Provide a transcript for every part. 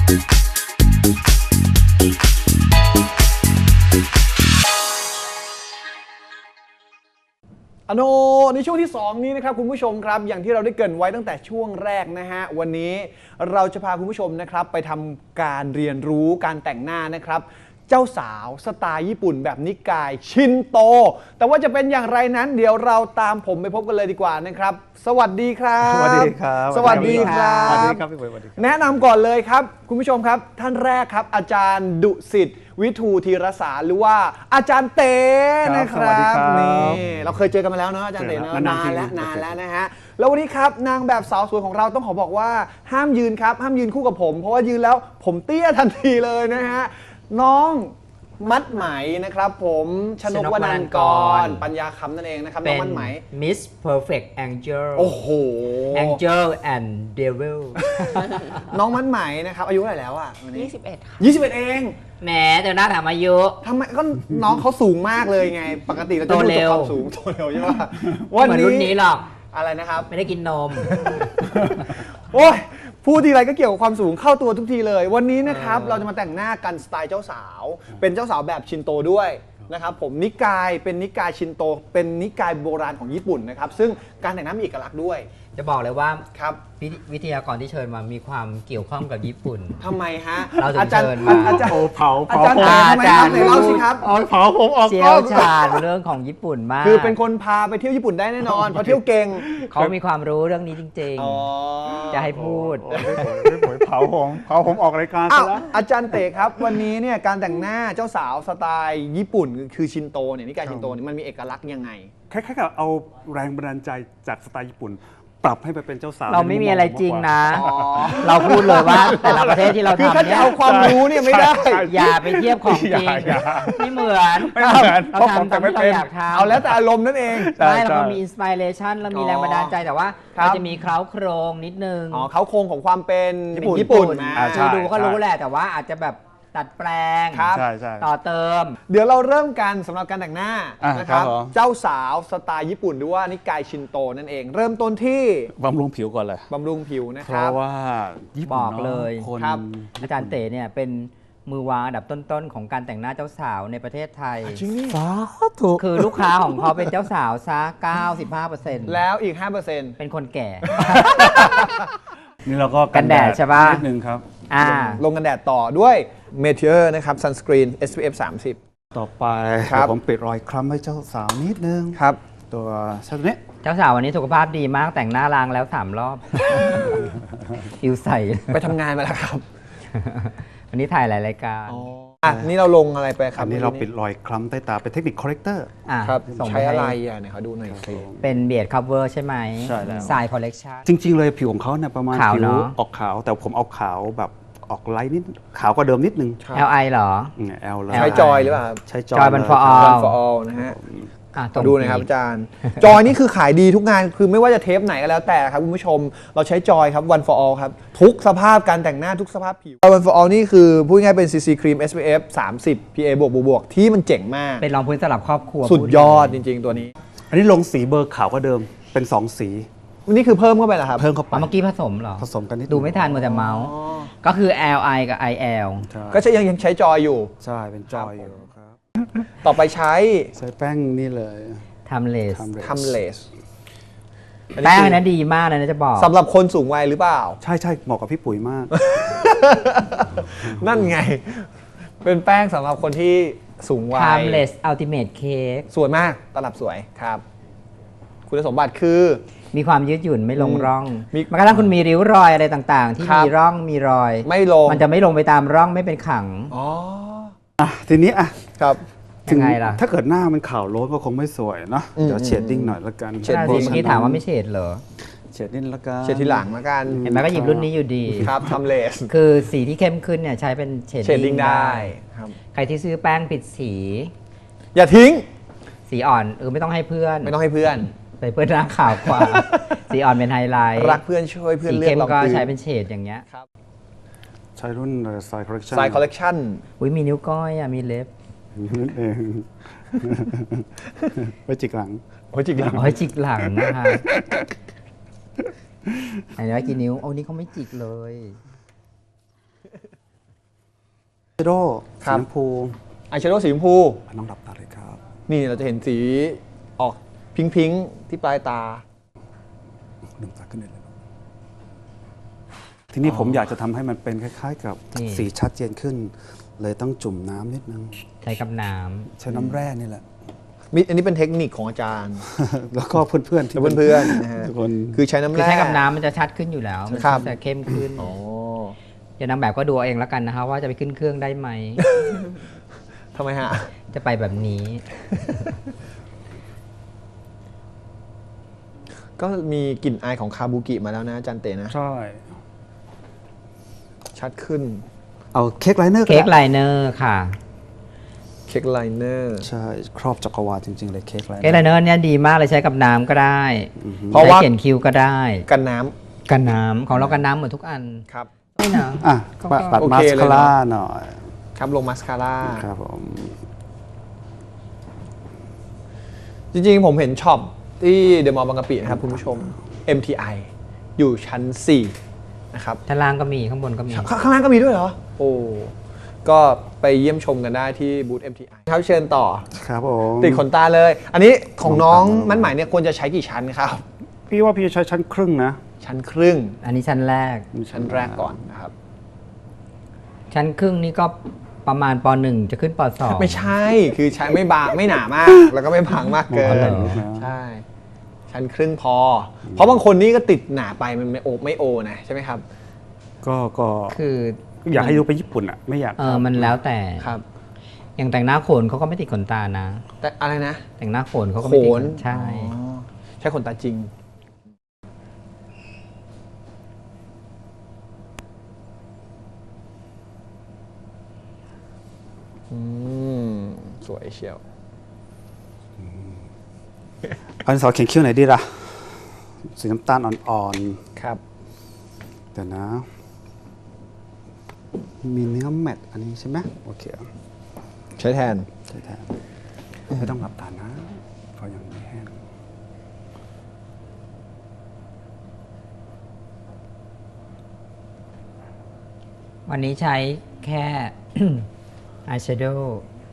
ในช่วงที่2นี้นะครับคุณผู้ชมครับอย่างที่เราได้เกริ่นไว้ตั้งแต่ช่วงแรกนะฮะวันนี้เราจะพาคุณผู้ชมนะครับไปทำการเรียนรู้การแต่งหน้านะครับเจ้าสาวสไตล์ญี่ปุ่นแบบนิกายชินโตแต่ว่าจะเป็นอย่างไรนั้นเดี๋ยวเราตามผมไปพบกันเลยดีกว่านะครับสวัสดีครับสวัสดีครับสวัสดีครับสวัสดีครับพี่ปุ๋ยสวัสดีครับแนะนำก่อนเลยครับคุณผู้ชมครับท่านแรกครับอาจารย์ดุสิตวิทูธีรสารหรือว่าอาจารย์เต้นะครับนี่เราเคยเจอกันมาแล้วเนาะอาจารย์เต้เนาะนานแล้วนะฮะแล้ววันนี้ครับนางแบบสาวสวยของเราต้องขอบอกว่าห้ามยืนครับห้ามยืนคู่กับผมเพราะว่ายืนแล้วผมเตี้ยทันทีเลยนะฮะน้องมัดไหมนะครับผมชนกวนันท์กรปัญญาคำนั่นเองนะครับน้องมัดไหม Miss Perfect Angel โอ้โห Angel and Devil น้องมัดไหมนะครับอายุเท่าไหร่แล้วอ่ะวันนี้ 21 ค่ะ 21เองแหมเดี๋ยวหน้าถามอายุทำไมก็น้องเขาสูงมากเลยไงปกติเราจะดูจากความสูงโตเร็วใช่ไหมวันนี้รุ่นนี้หรอกอะไรนะครับไม่ได้กินนมโอ้ยพูดทีไรก็เกี่ยวกับความสูงเข้าตัวทุกทีเลยวันนี้นะครับเราจะมาแต่งหน้ากันสไตล์เจ้าสาวเป็นเจ้าสาวแบบชินโตด้วยนะครับผมนิกายเป็นนิกายชินโตเป็นนิกายโบราณของญี่ปุ่นนะครับซึ่งการแต่งหน้ามีเอกลักษณ์ด้วยจะบอกเลยว่าครับวิทยากรที่เชิญมามีความเกี่ยวข้องกับญี่ปุ่นทำไมฮะเราถึงเชิญมาอาจารย์เผาอาจารย์ทำไมครับไหนเล่าสิครับเผาผมออกเชี่กล้ยอวงชาญเรื่องของญี่ปุ่นมากคือเป็นคนพาไปเที่ยวญี่ปุ่นได้แน่นอนเพราะเที่ยวเก่งเขามีความรู้เรื่องนี้จริงอ๋อๆ จะให้พูดพี่ปุ๋ยเผาผมออกรายการอ้าซะวแล้วอาจารย์เต๋ครับวันนี้เนี่ยการแต่งหน้าเจ้าสาวสไตล์ญี่ปุ่นคือชินโตเนี่ยนิกายชินโตเนี่ยมันมีเอกลักษณ์ยังไงคล้ายๆกับเอาแรงบันดาลใจจากสไตล์ญี่ปุ่น ปรับให้ไปเป็นเจ้าสาวเราไม่มีอะไรจริงนะอ๋อเราพูดเลยว่าแต่ละประเทศที่เราคือทำถ้าจะเนี่ยเอาความรู้เนี่ยไม่ได้อย่าไปเทียบของจริงอย่าไม่เหมือนไม่เหมือนเราเพราะผมทำตามแต่ไม่ที่เราเป็นอยากทำเอาแล้วแต่อารมณ์นั่นเองใช่ไม่เราใช่มีอินสปิเรชันเรามีแรงบันดาลใจแต่ว่าครับมันจะมีเคล้าโครงนิดนึงอ๋อเขาโครงของความเป็นญี่ปุ่นนะอ่าใช่คือดูก็รู้แหละแต่ว่าอาจจะแบบตัดแปลงครับใช่ใช่ต่อเติมเดี๋ยวเราเริ่มกันสำหรับการแต่งหน้าอ่ะนะครับครับผมเจ้าสาวสไตล์ญี่ปุ่นหรือว่านิกายชินโตนั่นเอง เริ่มต้นที่บำรุงผิวก่อนเลยบำรุงผิวนะเพครัราะบว่าญี่ปุ่นบอกเลยคนครับอาจารย์เต๋เนี่ยเป็นมือวางอันดับต้นๆของการแต่งหน้าเจ้าสาวในประเทศไทยจริงนี่สาธุคือลูกค้าของเขาเป็นเจ้าสาวซะ 95% แล้วอีก 5% เป็นคนแก่นี่เราก็กันแดดใช่ปะนิดนึงครับอ่าลงกันแดดต่อด้วยเมเทอร์นะครับซันสกรีน SPF 30 ต่อไปครับผมปิดรอยคล้ำให้เจ้าสาวนิดนึงครับตัวชัดนี้เจ้าสาววันนี้สุขภาพดีมากแต่งหน้าล้างแล้ว 3 รอบ อิวใส่ไปทำงานมาแล้วครับวันนี้ถ่ายหลายรายการอ่ะนี่เราลงอะไรไปครับอันนี้เราปิดรอยคล้ำใต้ตาเป็นเทคนิคคอเรคเตอร์อ่ะครับส่งใช้ปอะไรให้อ่ะเนี่ยเขาดูหน่อยสิเป็นเบียดคัฟเวอร์ใช่ไหมใช่แล้วสายคอลเลกชันจริง ๆ เลยผิวของเขาเนี่ยประมาณขาวผิวเนอะออกขาว แต่ผมเอาขาวแบบออกไลท์นิดขาวกว่าเดิมนิดนึง LI เหรอแอลเลยใช้จอยหรือเปล่าครับใช้จอยจอยมัน for เลย all One for all นะฮะอ่ะขอดูหน่อยครับอาจารย์ จอยนี่คือขายดีทุกงานคือไม่ว่าจะเทปไหนก็แล้วแต่ครับคุณผู้ชมเราใช้จอยครับ One for all ครับ ทุกสภาพการแต่งหน้าทุกสภาพผิว One for all นี่คือพูดง่ายๆเป็น CC ครีม SPF 30 PA บวกที่มันเจ๋งมากเป็นรองพื้นสำหรับครอบครัวสุดยอดจริงๆตัวนี้อันนี้ลงสีเบอร์ขาวกว่าเดิมเป็น 2 สีนี่คือเพิ่มเข้าไปเหรอครับเพิ่มเข้าไปเมื่อกี้ผสมเหรอผสมกันนิดดูไม่ทันหมดแต่เมาส์ ก็คือ LI กับ IL ใช่ก็ยังใช้จอยอยู่ใช่เป็นจอยอยู่ครับต่อไปใช้ใช้แป้งนี่เลยทำเลสทำเลสแป้งอันนั้นดีมากเลยนะจะบอกสำหรับคนสูงวัยหรือเปล่าใช่ใช่เหมาะกับพี่ปุ๋ยมากนั่นไง เป็นแป้งสำหรับคนที่สูงวัย Timeless Ultimate Cake สวยมากตลับสวยครับ คุณสมบัติคือมีความยืดหยุ่นไม่ลงร่องมีแม้กระทั่งคุณมีริ้วรอยอะไรต่างๆ ที่ครับมีร่องมีรอยไม่ลงมันจะไม่ลงไปตามร่องไม่เป็นขังอ๋ออ่ะทีนี้อ่ะครับถึงยังไงล่ะถ้าเกิดหน้ามันขาวโล้นก็คงไม่สวยเนาะอืมเดี๋ยวเชดดิ้งหน่อยละกันเชดน่าดิ้สิงเมื่อกี้ถามว่าไม่เฉดเหรอเชดดิ้งละกันเช็ดทีหลังแล้วกันเห็นไหมก็หยิบรุ่นนี้อยู่ดีครับทำเลสคือสีที่เข้มขึ้นเนี่ยใช้เป็นเชดเชดดิ้งได้ครับใครที่ซื้อแป้งผิดสีอย่าทิ้งสีอ่อนไม่ต้องให้เพื่อนไม่ต้องให้เพื่อนไปเพื่อนหน้าขาวกว่า สีอ่อนเป็นไฮไลท์รักเพื่อนช่วยเพื่อนสีเลือกเข้มลองก็ซื้อใช้เป็นเฉดอย่างเงี้ยครับใช้รุ่นสายคอลเลคชั่นสายคอลเลกชันอุ้ยมีนิ้วก้อยมีเล็บนั่นเองไว้จิกหลังโอ้ยจริงเหรออ๋อจิกหลังนะคะไหนว่ากี่นิ้วโอ้นี่เขาไม่จิกเลยโดครัสีบชมพูอายแชโดว์สีชมพูน้องหลับตาเลยครับนี่เราจะเห็นสีออกพิงค์ๆที่ปลายตาลืมตาขึ้นได้เลยทีนี้ผมอยากจะทำให้มันเป็นคล้ายๆ กับนี่สีชัดเจนขึ้น เลยต้องจุ่มน้ำนิดนึงใช้กับน้ใช้น้ำแร่นี่แหละอันนี้เป็นเทคนิคของอาจารย์แล้วก็เพื่อนๆที่และเพื่อนๆนะฮะทุกคนคือใช้ำน้ำคือแร่ใช้กับน้ำมันจะชัดขึ้นอยู่แล้ว มันครับจะเข้มขึ้นอ๋อเดี๋ยวนางแบบก็ดูเอาเองแล้วกันนะคะว่าจะไปขึ้นเครื่องได้ไหมทำไมฮะจะไปแบบนี้ก็มีกลิ่นอายของคาบูกิมาแล้วนะอาจารย์เต๋นะใช่ชัดขึ้นเอาเค้กไลเนอร์เค้กไลเนอร์ค่ะเค้กไลเนอร์ใช่ครอบจักรวาลจริงๆเลยเค้กไลเนอร์เค้กไลเนอร์เนี่ยดีมากเลยใช้กับน้ำก็ได้เพราะว่าใช้เขียนคิ้วก็ได้กันน้ำกันน้ำของเรากันน้ำหมดทุกอันครับไม่นะอ่ะก็ปัดโอมาเคสเลยคาเนอะร่าหน่อยครับลงมาสคาร่าครับผมจริงๆ ผมเห็นช็อปที่เดอะมอลล์บางกะปินะครับคุณผู้ชม MTI อยู่ชั้น 4 นะครับชั้นล่างก็มีข้างบนก็มีข้างล่างก็มีด้วยเหรอ โอ้ ก็ไปเยี่ยมชมกันได้ที่บูธ MTI ครับเชิญต่อครับผมติดขนตาเลย อันนี้ของน้องมันหมายเนี่ยควรจะใช้กี่ชั้นครับพี่ว่าพี่จะใช้ชั้นครึ่งนะชั้นครึ่งอันนี้ชั้นแรกชั้นแรกก่อนนะครับชั้นครึ่งนี่ก็ประมาณป .1 จะขึ้นป .2 ไม่ใช่ คือใช้ไม่บางไม่หนามาก แล้วก็ไม่บางมากเกิอ๋อเหรนอใช่ ชั้นครึ่งพอ เพราะบางคนนี่ก็ติดหนาไปมันไม่โอนะใช่ไหมครับก็คืออยากให้ดูไปญี่ปุ่นอ่ะ ไม่อยากมันแล้วแต่ครับอย่างแต่งหน้าโขนเขาก็ไม่ติดขนตานะแต่อะไรนะแต่งหน้าโขนเขาก็โขไม่ติดนใช่อ๋อใช้ขนตาจริง อืม สวยเชียวอันสอเขียนคิ้วไหนดีล่ะ สีน้ำตาลอ่อนครับๆเดี๋ยวนะ มีเนื้อแมตต์อันนี้ใช่ไหมโอเคใช้แทนใช่แทนไม่ต้องหลับตานะเพราะยังไม่แห้งวันนี้ใช้แค่ อายแชโดว์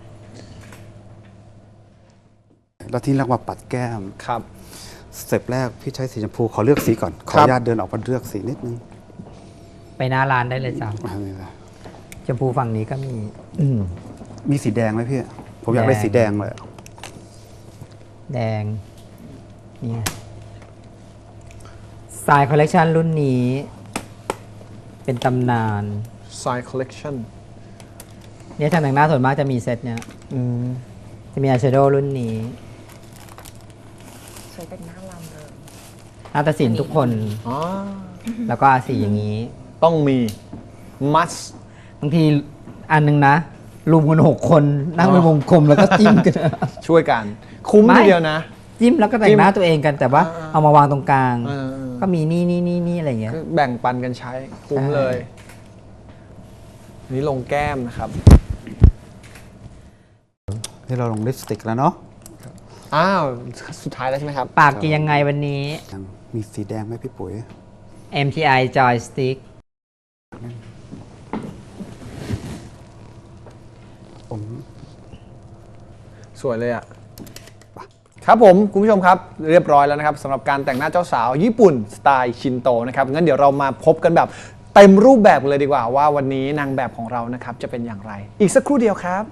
แล้วที่เรียกว่าปัดแก้มครับสเต็ปแรกพี่ใช้สีชมพูขอเลือกสีก่อน ขออนุญาตเดินออกมาเลือกสีนิดนึงไปหน้าร้านได้เลยจ้ะอันนี้นะชมพูฝั่งนี้ก็มีมีสีแดงไหมพี่ ผมอยากได้แดงสีแดงเลยแดงนี่สายคอลเลกชันรุ่นนี้ เป็นตำนาน Side Collection เนี่ยทางแต่งหน้าส่วนมากจะมีเซตเนี่ยอืมจะมีอายแชโดว์รุ่นนี้สวยเป็นหน้าลำเลยนาฏศิลป์ทุกคนอ๋อแล้วก็อาสีอย่างนี้ต้องมี must บางทีอันหนึงนะรวมกัน6 คนนั่งเป็นวงกลมแล้วก็จิ้มกันช่วยกัน คุ้มไม่ทีเดียวนะจิ้มแล้วก็แต่งหน้าตัวเองกัน แต่ว่าอ่าเอามาวางตรงกลางเออก็มีนี่อะไรอย่างเงี้ยก็แบ่งปันกันใช้ คุ้มใช่เลยอันนี้ลงแก้มนะครับนี่เราลงลิปสติกแล้วเนาะอ้าว สุดท้ายแล้วใช่ไหมครับปากจะยังไงวันนี้ยังมีสีแดงไหมพี่ปุ๋ย MTI Joystick ผมสวยเลยอ่ะ ครับผมคุณผู้ชมครับเรียบร้อยแล้วนะครับสำหรับการแต่งหน้าเจ้าสาวญี่ปุ่นสไตล์ชินโตนะครับงั้นเดี๋ยวเรามาพบกันแบบเต็มรูปแบบเลยดีกว่าว่าวันนี้นางแบบของเรานะครับจะเป็นอย่างไร อีกสักครู่เดียวครับ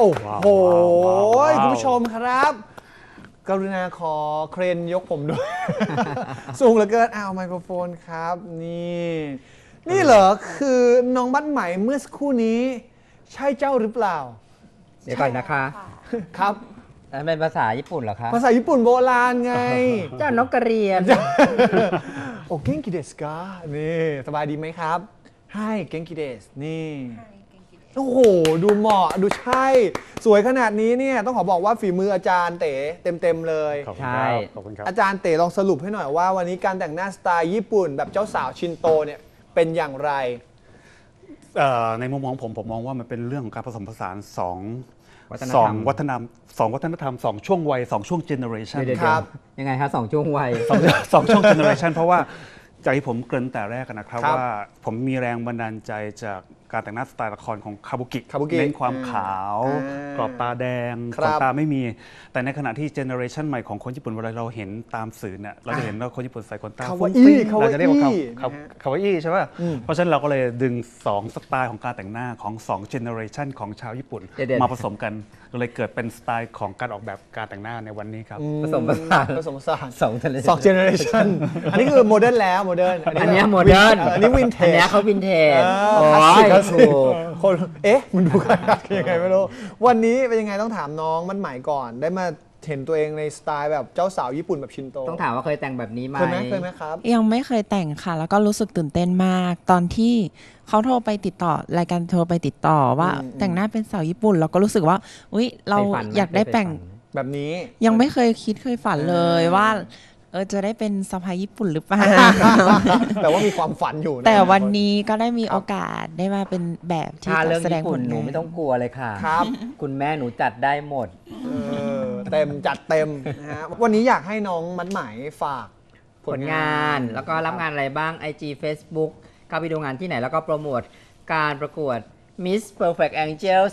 โอ้โหว้าวคุณผู้ชมครับ กรุณาขอเครนยกผมด้วย สูงเหลือเกินอ้าวไมโครโฟนครับนี่เหรอคือน้องบ้านใหม่เมื่อสักครู่นี้ ใช่เจ้าหรือเปล่าเดี๋ยวก่อนนะคะครับอันเป็นภาษาญี่ปุ่นเหรอคะภาษาญี่ปุ่นโบราณไงเจ้านกกระเรียนโอ้เก่งกิเดสกานี่สบายดีไหมครับให้เก่งกิเดสนี่โอ้โหดูเหมาะดูใช่ สวยขนาดนี้เนี่ยต้องขอบอกว่าฝีมืออาจารย์เต๋เต็มเลยขอบคุณใช่ครับขอบคุณครับอาจารย์เต๋ลองสรุปให้หน่อยว่าวันนี้การแต่งหน้าสไตล์ญี่ปุ่นแบบเจ้าสาวชินโตเนี่ยเป็นอย่างไรในมุมมองผมมองว่ามันเป็นเรื่องของการผสมผสานสองวัฒนธรรมวัฒนธรรมสองช่วงวัย2ช่วงเจเนอเรชันเดี๋ยวครับยังไงคะสองช่วงวัยสองช่วงเจเนอเรชันเพราะว่าจากที่ผมเกริ่นแต่แรกนะครับครับว่าผมมีแรงบันดาลใจจากการแต่งหน้าสไตล์ละครของคาบุกิคาบุกิเน้นความขาวอ่ากรอบตาแดงคขรับนตาไม่มี แต่ในขณะที่เจเนอเรชันใหม่ของคนญี่ปุ่นเวลาเราเห็นตามสื่อเนี่ยเราจะเห็นว่าคนญี่ปุ่นใส่ขนตาคาฟุ้วาง อิฟิ้งคาวาเราจะเรียกว่าอิคาวาอิใช่ป่ะอืมเพราะฉะนั้นเราก็เลยดึง2สไตล์ของการแต่งหน้าของ2เจเนอเรชันของชาวญี่ปุ่นเดี๋ยวๆมาผสมกันก็เลยเกิดเป็นสไตล์ของการออกแบบการแต่งหน้าในวันนี้ครับผสมผสานผสมผสานสองทะเลสองเจเนอเรชันอันนี้คือโมเดิร์นแล้วโมเดิร์นอันเนี้โมเดิร์นอันนี้วินเทจอันเนี้ยเขาวินเทจคลาสสิกคลาสสิกถูกคนเอ๊ะมันดูกันยังไงไม่รู้วันนี้เป็นยังไงต้องถามน้องมันใหม่ก่อน ได้มาเห็นตัวเองในสไตล์แบบเจ้าสาวญี่ปุ่นแบบชินโตต้องถามว่าเคยแต่งแบบนี้ไหมเคยไหมครับยังไม่เคยแต่งค่ะ แล้วก็รู้สึกตื่นเต้นมาก ตอนที่เขาโทรไปติดต่อรายการโทรไปติดต่อว่าอืมแต่งหน้าเป็นสาวญี่ปุ่นเราก็รู้สึกว่าอุ๊ยเราเคฝันหมอยากได้แต่งเคยฝันแบบนี้ยังไม่เคยคิดเคยฝันเลยว่าจะได้เป็นสะพ้ายญี่ปุ่นหรือเปล่าแต่ว่ามีความฝันอยู่ะแต่วันนี้ก็ได้มีโอกาสได้มาเป็นแบบที่ถ้าเรื่องแสดงญี่ปุ่นผลหนูงานไม่ต้องกลัวเลยค่ะครับคุณแม่หนูจัดได้หมดเต็มจัดเต็มนะฮะวันนี้อยากให้น้องมันใหม่ฝากผลงานแล้วก็รับงานอะไรบ้าง IG Facebook เข้าไปดูงานที่ไหนแล้วก็โปรโมทการประกวด Miss Perfect Angel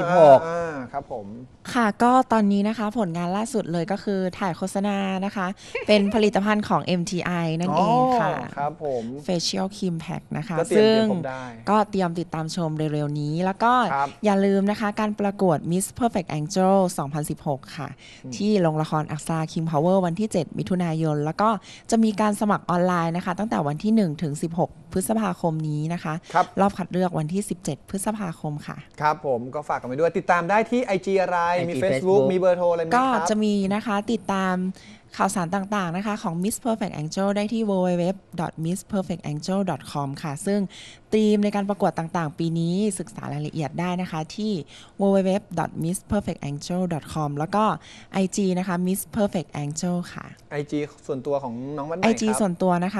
2016 ครับผมค่ะก็ตอนนี้นะคะผลงานล่าสุดเลยก็คือถ่ายโฆษณานะคะ เป็นผลิตภัณฑ์ของ MTI นั่นเองค่ะครับผม Facial Cream Pack นะคะก็เตรียมซึ่งผมได้ก็เตรียมติดตามชมเร็วๆนี้ แล้วก็ครับอย่าลืมนะคะการประกวด Miss Perfect Angel 2016 ค่ะ ที่โรงละครอักษา King Power วันที่ 7 มิถุนายน แล้วก็จะมีการสมัครออนไลน์นะคะ ตั้งแต่วันที่ 1 ถึง 16 พฤษภาคมนี้นะคะครับรอบคัดเลือกวันที่ 17 พฤษภาคมค่ะครับผมก็ฝากกันไปด้วยติดตามได้ที่ IG อะไร มี IG Facebook Facebook มีเบอร์โทรอะไรไหมก็ครับจะมีนะคะติดตามข่าวสารต่างๆนะคะของ Miss Perfect Angel ได้ที่ www.missperfectangel.com ค่ะ ซึ่งธีมในการประกวดต่างๆ ปีนี้ศึกษารายละเอียดได้นะคะที่ www.missperfectangel.com แล้วก็ IG นะคะ Miss Perfect Angel ค่ะ IG ส่วนตัวของน้องมันใหม่ IG ส่วนตัวนะคะ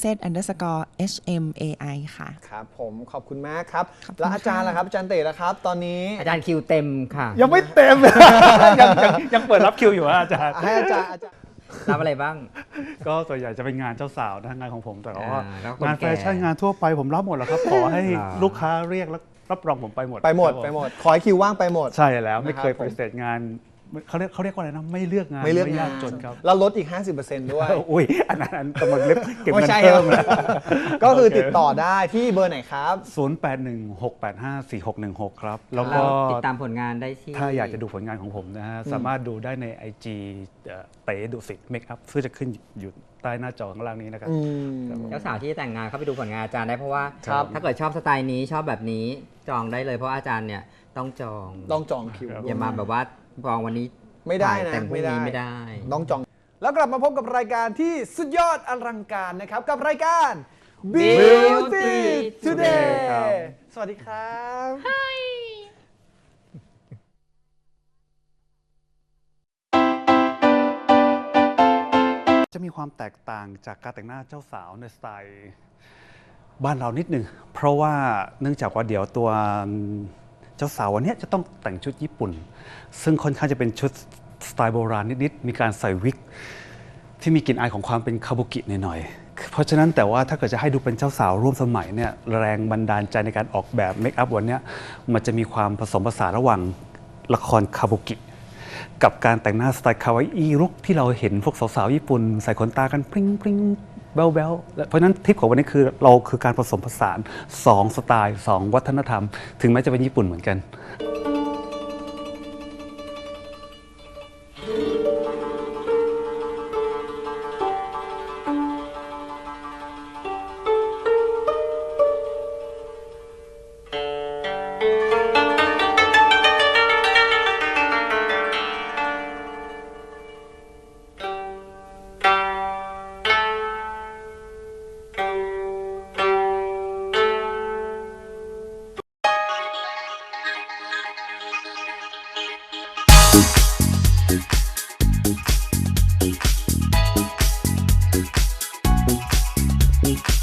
princess_hmai ค่ะครับผมขอบคุณมากครับขอบคุณแล้วอาจารย์ค่ะล่ะครับอาจารย์เต๋ล่ะครับ ตอนนี้อาจารย์คิวเต็มค่ะยังไม่เต็ม ยังเปิดรับคิวอยู่อะอาจารย์ให้อาจารย์รับอะไรบ้างก็ส่วนใหญ่จะเป็นงานเจ้าสาวนะงานของผมแต่ว่าแล้วคนงานแฟชั่นแก่งานทั่วไปผมรับหมดแล้วครับ ขอให้อ่าลูกค้าเรียกแล้วรับรองผมไปหมดไปหมดครับผไปหมด ขอให้คิวว่างไปหมดใช่แล้วไม่นะครับเคยผมปฏิเสธงานเขาเรียกว่าอะไรนะไม่เลือกงานไม่เลือกงายาน กจนครับแล้วลดอีก 50%ด้วยอุ้ยอันนั้นกำลังเล็บเก็บไม่เงินใช่เพิ่มครับนะก็คือติดต่อได้ที่เบอร์ไหนครับ 0816854616 ครับ แล้วก็ติดตามผลงานได้ที่ถ้าอยากจะดูผลงานของผมนะฮะ สามารถดูได้ใน IG เต๋ดุสิตเมคอัพซึ่งจะขึ้นอยู่ใต้หน้าจอข้างล่างนี้นะครับเจ้าสาวที่แต่งงานเข้าไปดูผลงานอาจารย์ได้เพราะว่าครับถ้าเกิดชอบสไตล์นี้ชอบแบบนี้จองได้เลยเพราะอาจารย์เนี่ยต้องจองต้องจองคิวอย่ามาแบบว่าจองวันนี้ไม่ได้นะแต่งพรุ่งนี้ไม่ได้ต้องจอง แล้วกลับมาพบกับรายการที่สุดยอดอลังการนะครับ กับรายการ Beauty Today ครับสวัสดีครับจะมีความแตกต่างจากการแต่งหน้าเจ้าสาวในสไตล์บ้านเรานิดหนึ่งเพราะว่าเนื่องจากว่าเดี๋ยวตัวเจ้าสาววันนี้จะต้องแต่งชุดญี่ปุ่น ซึ่งค่อนข้างจะเป็นชุดสไตล์โบราณนิดๆมีการใส่วิกที่มีกลิ่นอายของความเป็นคาบุกิหน่อยๆเพราะฉะนั้นแต่ว่าถ้าเกิดจะให้ดูเป็นเจ้าสาวร่วมสมัยเนี่ยแรงบันดาลใจในการออกแบบเมคอัพวันนี้มันจะมีความผสมผสานระหว่างละครคาบุกิ กับการแต่งหน้าสไตล์คาวาอิลุคที่เราเห็นพวกสาวๆญี่ปุ่นใส่ขนตากันปริ้งปริ้งแบลๆเพราะฉะนั้นทริปของวันนี้คือเราคือการผสมผสาน2สไตล์2วัฒนธรรม ถึงแม้จะเป็นญี่ปุ่นเหมือนกัน Week